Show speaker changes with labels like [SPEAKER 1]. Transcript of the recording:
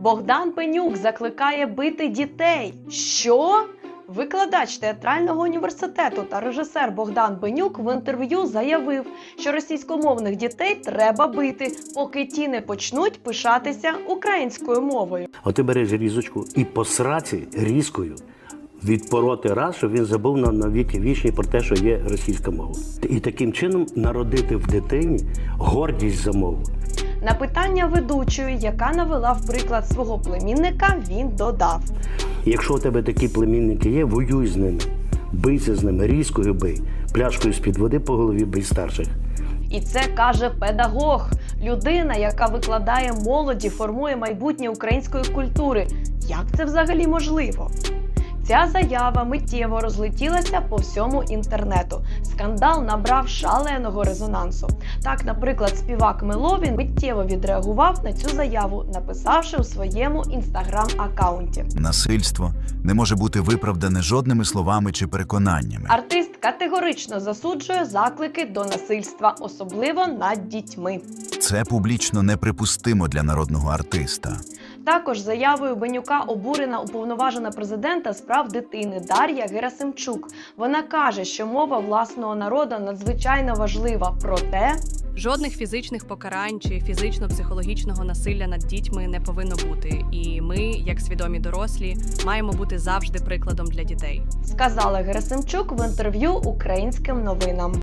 [SPEAKER 1] Богдан Бенюк закликає бити дітей. Що? Викладач театрального університету та режисер Богдан Бенюк в інтерв'ю заявив, що російськомовних дітей треба бити, поки ті не почнуть пишатися українською мовою.
[SPEAKER 2] А ти береш різочку і по сраці різкою відпороти раз, щоб він забув на віки вічні про те, що є російська мова. І таким чином народити в дитині гордість за мову.
[SPEAKER 1] На питання ведучої, яка навела в приклад свого племінника, він додав:
[SPEAKER 2] Якщо у тебе такі племінники є, воюй з ними, бийся з ними, різкою бий, пляшкою з-під води по голові бий старших.
[SPEAKER 1] І це каже педагог, людина, яка викладає молоді, формує майбутнє української культури. Як це взагалі можливо? Ця заява миттєво розлетілася по всьому інтернету. Скандал набрав шаленого резонансу. Так, наприклад, співак Меловін миттєво відреагував на цю заяву, написавши у своєму інстаграм-аккаунті:
[SPEAKER 3] Насильство не може бути виправдане жодними словами чи переконаннями.
[SPEAKER 1] Артист категорично засуджує заклики до насильства, особливо над дітьми.
[SPEAKER 3] Це публічно неприпустимо для народного артиста.
[SPEAKER 1] Також заявою Бенюка обурена уповноважена президента з прав дитини Дар'я Герасимчук. Вона каже, що мова власного народу надзвичайно важлива, проте
[SPEAKER 4] жодних фізичних покарань чи фізично-психологічного насилля над дітьми не повинно бути. І ми, як свідомі дорослі, маємо бути завжди прикладом для дітей.
[SPEAKER 1] сказала Герасимчук в інтерв'ю Українським новинам.